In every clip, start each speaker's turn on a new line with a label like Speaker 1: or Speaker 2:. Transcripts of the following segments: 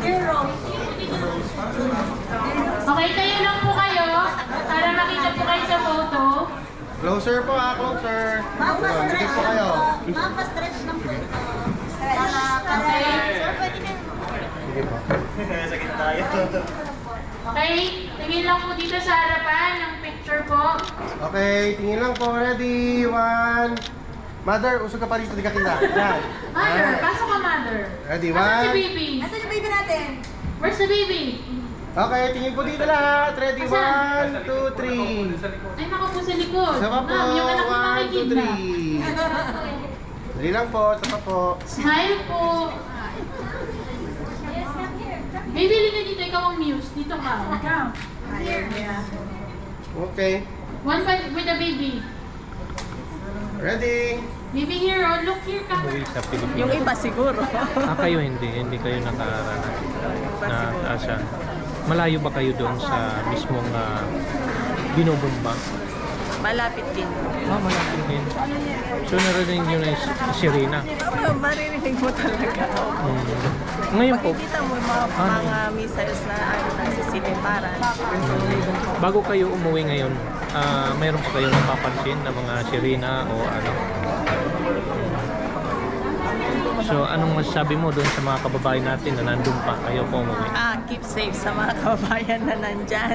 Speaker 1: Okay, tayo lang po kayo para makita po kayo sa photo.
Speaker 2: Closer po closer. Dikit po kayo.
Speaker 3: Mapa-stretch lang po ito.
Speaker 1: Okay.
Speaker 3: Sir, pwede na.
Speaker 2: Sige po.
Speaker 4: Sakit tayo.
Speaker 1: Okay, tingin lang po dito sa harapan ng picture po.
Speaker 2: Okay, tingin lang po. Ready? One. Mother, usog ka pa rito. Di ka tinda. Yan.
Speaker 1: Mother, pasok ka mother.
Speaker 2: Ready?
Speaker 1: Asan si
Speaker 2: One.
Speaker 1: baby?
Speaker 3: Nasaan yung baby natin?
Speaker 1: Where's the baby?
Speaker 2: Okay, tingin po dito lahat. Ready?
Speaker 1: Asan?
Speaker 2: 1, 2, 3.
Speaker 1: Ay, naka po sa likod.
Speaker 2: Isa pa po.
Speaker 1: Ma'am, yung anak mo
Speaker 2: 1, 2,
Speaker 1: nakikita.
Speaker 2: 3. Dali lang po. Isa pa po.
Speaker 1: Smile po. Baby, liga dito. Ikaw ang muse. Dito ka.
Speaker 2: Okay.
Speaker 1: One fight with the baby.
Speaker 2: Ready?
Speaker 1: Baby hero, look here ka.
Speaker 5: Umuwi sa Pilipinas.
Speaker 6: Yung iba siguro.
Speaker 5: Kayo hindi kayo nakaranas na Asya. Malayo ba kayo doon sa mismong binubumba?
Speaker 6: Malapit din.
Speaker 5: Malapit din. So narinig nyo na yung sirena.
Speaker 6: Maririnig mo talaga.
Speaker 5: Ngayon po,
Speaker 6: Makikita mo yung mga missiles na nagsisiliparan.
Speaker 5: bago kayo umuwi ngayon, mayroon pa kayong napapansin na mga sirena o ano? So anong masasabi mo doon sa mga kababayan natin na nandun pa kayo po umuwi?
Speaker 6: Keep safe sa mga kababayan na nandyan.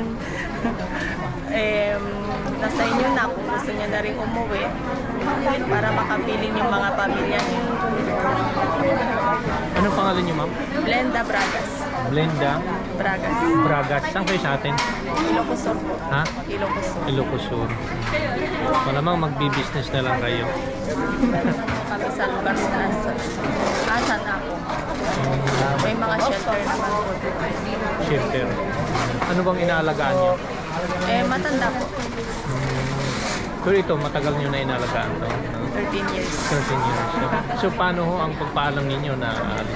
Speaker 6: Nasa inyo na kung gusto niya na rin umuwi para makapiling yung mga pamilya niyo.
Speaker 5: Anong pangalan niyo, ma'am?
Speaker 6: Blenda Bragas.
Speaker 5: Blenda
Speaker 6: Bragas.
Speaker 5: Bragas. Saan kayo sa atin?
Speaker 6: Ilocos Sur po.
Speaker 5: Ha?
Speaker 6: Ilocos Sur.
Speaker 5: Ilocos Sur. Malamang magbi-business na lang kayo.
Speaker 6: Kami sa lugar na asan ako. May mga shelter naman po.
Speaker 5: Shelter. Ano bang inaalagaan niyo?
Speaker 6: Matanda po.
Speaker 5: Pero ito, matagal niyo na inaalagaan to.
Speaker 6: 13 years.
Speaker 5: 13 years. So paano ho ang pagpaalam ninyo na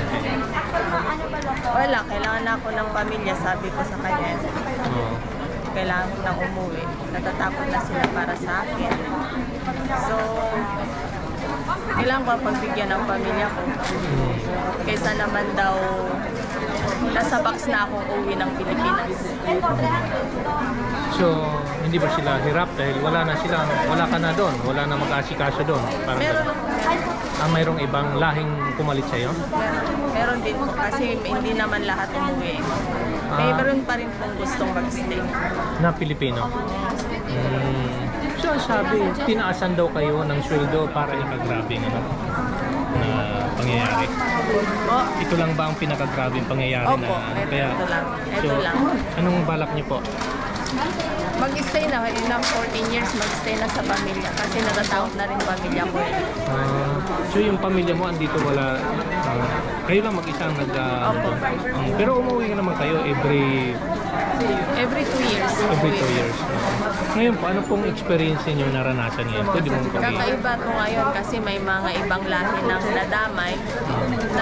Speaker 6: Wala, kailangan na ako ng pamilya, sabi ko sa kanya. Kailangan ko nang umuwi. Natatakot na sila para sa akin. So, kailangan ko pagbigyan ng pamilya ko. Kaysa naman daw, nasa box na akong uwi ng Pilipinas.
Speaker 5: So, hindi ba sila hirap dahil wala ka na doon, wala na mag-asikaso doon?
Speaker 6: Meron,
Speaker 5: mayroong ibang lahing pumalit sa'yo?
Speaker 6: meron din po kasi hindi naman lahat umuwi. Meron pa rin pong gustong mag-stay.
Speaker 5: Na Pilipino? So, sabi, tinaasan daw kayo ng sweldo para ikagrabing na pangyayari. Ito lang ba ang pinakagrabing pangyayari
Speaker 6: Opo,
Speaker 5: na
Speaker 6: ito lang. Ito lang.
Speaker 5: Anong balak niyo po?
Speaker 6: Mag-stay na, ilang 14 years mag-stay na sa pamilya kasi natatakot na rin pamilya ko.
Speaker 5: So yung pamilya mo andito wala, kayo lang mag-isa ang
Speaker 6: Opo.
Speaker 5: pero umuwi naman kayo every
Speaker 6: 2 years.
Speaker 5: every 2 years. Ngayon po, ano pong experience niyo naranasan ngayon? Pwede mong pag-i-
Speaker 6: Kakaiba to ngayon kasi may mga ibang lahi ng nadamay na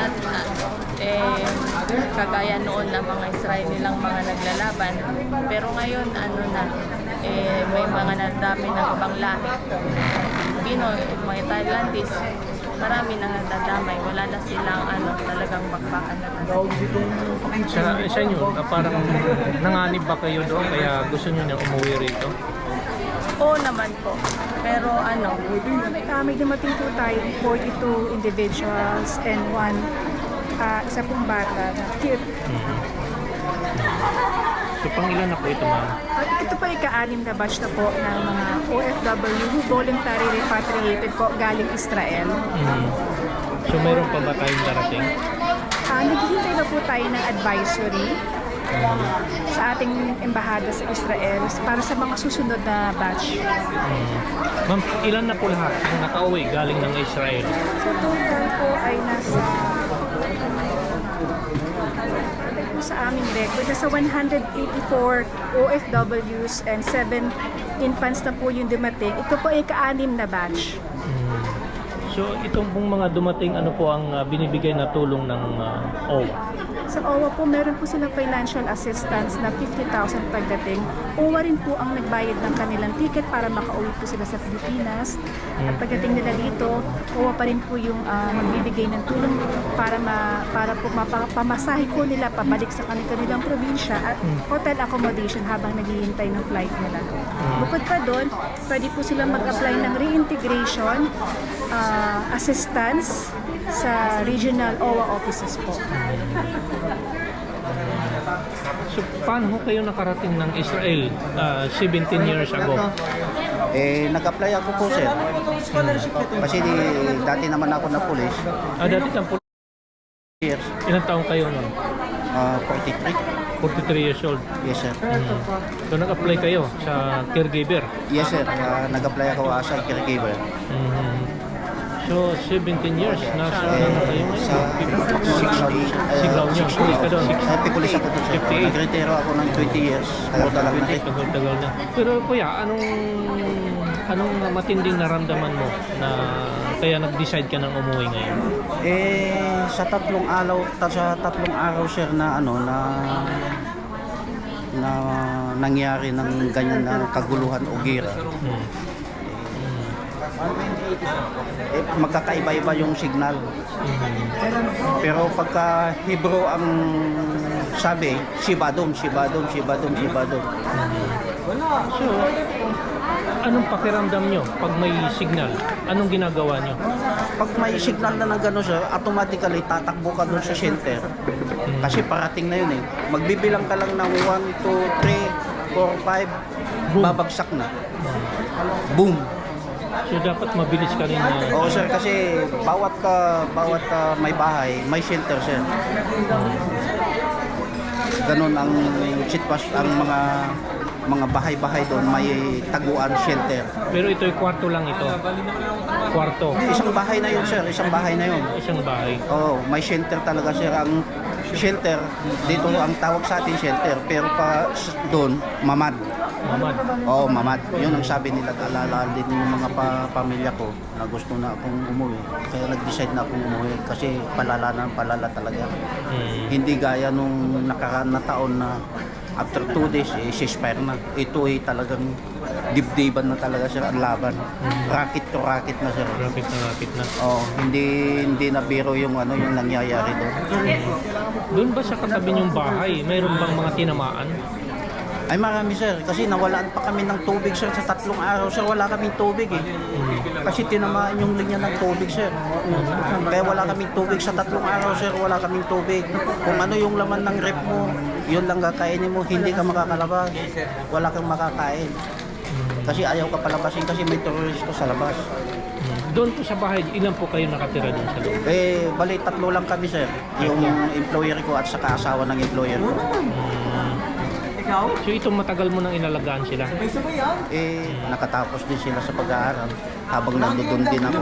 Speaker 6: kagaya noon na mga Israeli lang mga naglalaban. Pero ngayon, may mga nadami ng ibang lahi. Pinoy, mga Thailandese, marami nang nadadamay. Wala na silang talagang bakbakan na
Speaker 5: sa inyo, parang nanganib ba kayo doon kaya gusto niyo na umuwi rito?
Speaker 6: Oo naman po. Pero
Speaker 7: May dumating po tayo 42 individuals and isa pong bata na cute.
Speaker 5: So pang ilan na po ito, ma'am?
Speaker 7: At ito pa ika-anim na batch na po ng mga OFW who voluntary repatriated po galing Israel.
Speaker 5: So mayroon pa ba tayong darating?
Speaker 7: Naghihintay na po tayo ng advisory sa ating embahada sa Israel para sa mga susunod na batch.
Speaker 5: Ma'am, ilan na po lahat ang nakauwi galing ng Israel?
Speaker 7: So total po ay nasa sa aming record, nasa 184 OFWs and 7 infants na po yung dumating. Ito po ay ka-anim na batch.
Speaker 5: So itong pong mga dumating, ano po ang binibigay na tulong ng OWA?
Speaker 7: Sa OWA po, meron po silang financial assistance na 50,000 pagdating. OWA rin po ang nagbayad ng kanilang ticket para makauwi po sila sa Pilipinas. At pagdating nila dito, OWA pa rin po yung magbibigay ng tulong para po mapamasahe po nila pabalik sa kanilang probinsya at hotel accommodation habang naghihintay ng flight nila. Bukod pa doon, pwede po silang mag-apply ng reintegration assistance sa regional OWA offices po.
Speaker 5: So paano ho kayo nakarating ng Israel 17 years ago?
Speaker 4: Nag-apply ako po, sir. Kasi dati naman ako na police.
Speaker 5: Dati lang po,
Speaker 4: Years.
Speaker 5: ilang taong kayo nun?
Speaker 4: 43.
Speaker 5: 43 years old.
Speaker 4: Yes, sir.
Speaker 5: So nag-apply kayo sa caregiver?
Speaker 4: Yes, sir. Nag-apply ako as a caregiver.
Speaker 5: So 17 years, nasa ano kayo ngayon?
Speaker 4: Sa
Speaker 5: Siglaw niyo, pulis ka doon.
Speaker 4: Pipulis ako doon, sir.
Speaker 5: 58.
Speaker 4: Nag-retiro ako ng 20 years. Tagal na rin.
Speaker 5: Tagal na. Pero kuya, anong matinding naramdaman mo na kaya nag-decide ka nang umuwi ngayon?
Speaker 4: Sa tatlong araw, sir, na nangyari ng ganyan na kaguluhan o gira. Magkakaiba-iba yung signal. Pero pagka Hebrew ang sabi, Shibadom.
Speaker 5: So, anong pakiramdam nyo pag may signal? Anong ginagawa nyo?
Speaker 4: Pag may signal na ng gano'n, sir, automatically tatakbo ka doon sa shelter. Kasi parating na yun eh. Magbibilang ka lang ng 1, 2, 3, 4, 5, babagsak na. Boom!
Speaker 5: So dapat mabilis ka rin na...
Speaker 4: Oo, sir, kasi bawat may bahay, may shelter, sir. Ganon ang sitwasyon, ang mga bahay-bahay doon may taguan, shelter.
Speaker 5: Pero ito'y kwarto lang ito. Kwarto.
Speaker 4: Isang bahay na yun, sir, isang bahay na yun.
Speaker 5: Isang bahay.
Speaker 4: Oo, may shelter talaga, sir. Ang shelter, dito ang tawag sa atin shelter, pero pa doon, mamad.
Speaker 5: Mamad.
Speaker 4: Oo, mamad. Yun ang sabi nila, alala din yung mga pamilya ko na gusto na akong umuwi. Kaya nag-decide na akong umuwi kasi palala talaga. Hindi gaya nung nakaraan na taon na after 2 days, ceasefire na. Ito ay talagang dibdiban na talaga, sir, ang laban. Rocket to rocket na, sir.
Speaker 5: Rapid na.
Speaker 4: Oo, hindi na biro yung yung nangyayari doon.
Speaker 5: Doon ba sa katabi niyong bahay, mayroon bang mga tinamaan?
Speaker 4: Ay marami, sir, kasi nawalaan pa kami ng tubig, sir, sa 3 araw, sir, wala kaming tubig eh. Kasi tinamaan yung linya ng tubig, sir. Kaya wala kaming tubig sa 3 araw, sir, wala kaming tubig. Kung ano yung laman ng rep mo, yun lang kakainin mo, hindi ka makakalabas. Wala kang makakain. Kasi ayaw ka palabasin kasi may terorista sa labas.
Speaker 5: Doon po sa bahay, ilan po kayo nakatira doon sa loob?
Speaker 4: Bali 3 lang kami, sir. Yung employer ko at saka asawa ng employer ko.
Speaker 5: So ito matagal mo nang inalagaan sila?
Speaker 4: Nakatapos din sila sa pag-aaral habang nandoon din ako.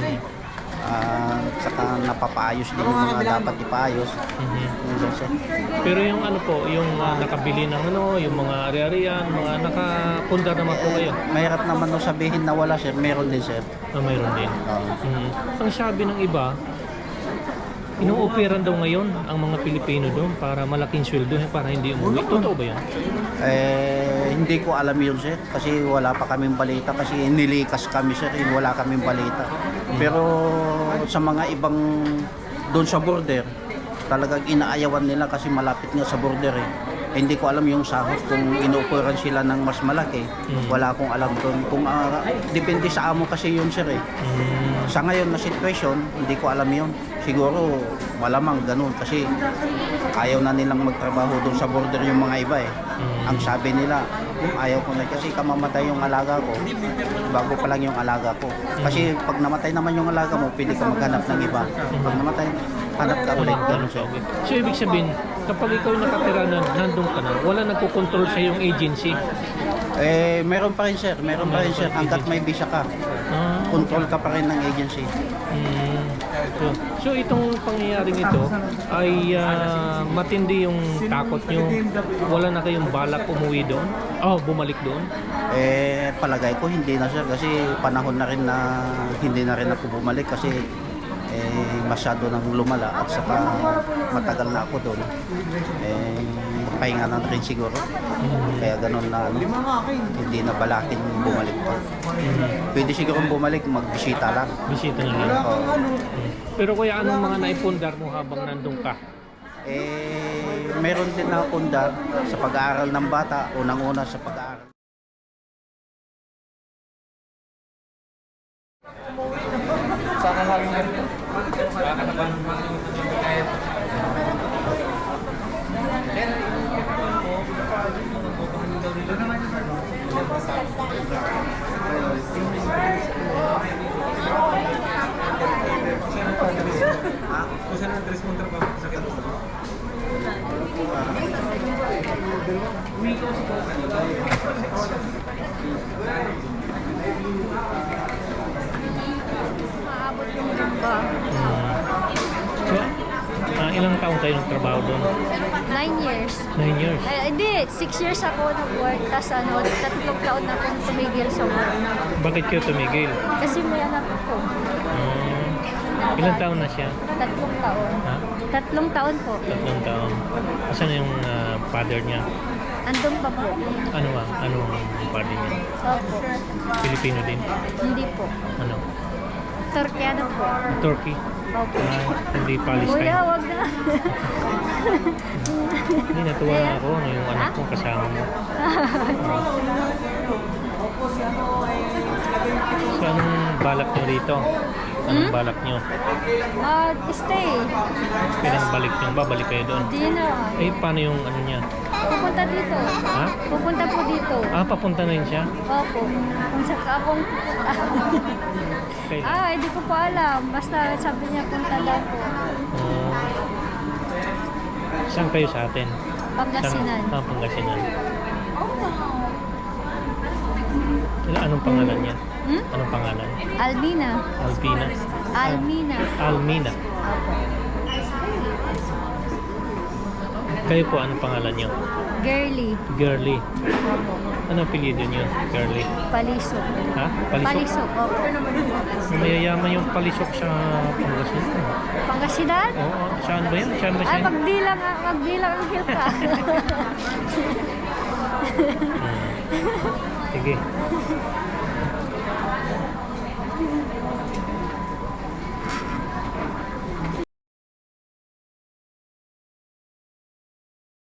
Speaker 4: Saka napapaayos din yung mga dapat ipaayos.
Speaker 5: Pero yung ano po, yung nakabili ng yung mga ari-arian, mga nakapundar naman po kayo?
Speaker 4: Mahirap naman no sabihin na wala, sir. Meron din, sir.
Speaker 5: Mayroon din. Ang sabi ng iba, inuoperan daw ngayon ang mga Pilipino doon para malaking sweldo para hindi umuwi. Totoo ba yan?
Speaker 4: Hindi ko alam yun, sir. Kasi wala pa kaming balita. Kasi nilikas kami, sir. Wala kaming balita. Pero sa mga ibang doon sa border, talagang inaayawan nila kasi malapit nga sa border eh. Hindi ko alam yung sahod kung inuoperan sila ng mas malaki. Wala akong alam doon. Kung depende sa amo kasi yun, sir eh. Sa ngayon na sitwasyon, hindi ko alam yun. Siguro malamang ganun kasi ayaw na nilang magtrabaho doon sa border yung mga iba eh. Ang sabi nila, ayaw ko na kasi kamamatay yung alaga ko. Bago pa lang yung alaga ko. Kasi pag namatay naman yung alaga mo, pwede ka maghanap ng iba. Pag namatay, hanap ka ulit.
Speaker 5: So ibig sabihin, kapag ikaw nakatira na nandun ka na, wala nagkukontrol sa yung agency?
Speaker 4: Meron pa rin, sir. Meron pa rin, sir. Hanggat may visa ka, control ka pa rin ng agency.
Speaker 5: So itong pangyayaring ito ay matindi yung takot nyo. Wala na kayong balak umuwi doon? Bumalik doon?
Speaker 4: Palagay ko hindi na sir kasi panahon na rin na hindi na rin ako bumalik kasi masyado nang lumala at saka matagal na ako doon. Pahinga na rin siguro. Kaya ganun na hindi na balakin bumalik pa. Pwede siguro bumalik, magbisita lang.
Speaker 5: Bisita na lang. Pero kuya, anong mga naipundar mo habang nandun ka?
Speaker 4: Meron din na pundar sa pag-aaral ng bata, unang-una sa pag-aaral.
Speaker 3: Maabot yung ba?
Speaker 5: So, ilang taon kayo nagtrabaho doon?
Speaker 3: 9 years.
Speaker 5: 9 years.
Speaker 3: Hindi, 6 years ako nag-work. Tapos 3 taon na akong tumigil sa work.
Speaker 5: Bakit kayo tumigil?
Speaker 3: Kasi may anak ko.
Speaker 5: Ilang taon na siya?
Speaker 3: 3 taon.
Speaker 5: Ha?
Speaker 3: 3 taon po.
Speaker 5: 3 taon. Asan na yung father niya?
Speaker 3: Andun pa po.
Speaker 5: Anong father niya?
Speaker 3: Opo.
Speaker 5: Filipino din?
Speaker 3: Hindi po.
Speaker 5: Ano?
Speaker 3: Turkiano po.
Speaker 5: Turkey?
Speaker 3: Opo.
Speaker 5: Hindi Palestine?
Speaker 3: Kuya, wag na.
Speaker 5: Hindi, natuwa na ako na yung anak ko kasama mo. So, anong balak nyo rito? Anong balak nyo?
Speaker 3: Stay.
Speaker 5: Pinangbalik nyo ba? Balik kayo doon?
Speaker 3: Hindi na.
Speaker 5: Paano yung ano niya?
Speaker 3: Pupunta dito.
Speaker 5: Ha?
Speaker 3: Pupunta po dito.
Speaker 5: Papunta na yun siya?
Speaker 3: Opo. Kung sa akong...
Speaker 5: Kailan?
Speaker 3: hindi ko po alam. Basta sabi niya punta daw po.
Speaker 5: Saan kayo sa atin?
Speaker 3: Pangasinan.
Speaker 5: Pangasinan. Anong pangalan niya? Anong pangalan?
Speaker 3: Almina.
Speaker 5: Alpina?
Speaker 3: Almina.
Speaker 5: Almina. Kayo po, anong pangalan niyo?
Speaker 3: Girly.
Speaker 5: Girly. Ano apelyido niyo? Girly.
Speaker 3: Palisok.
Speaker 5: Ha?
Speaker 3: Palisok. Opo.
Speaker 5: Mayayaman yung palisok sa Pangasinan.
Speaker 3: Pangasinan?
Speaker 5: Oo. Saan ba yan? Saan ba siya?
Speaker 3: Magbilang ang hilka.
Speaker 5: Sige.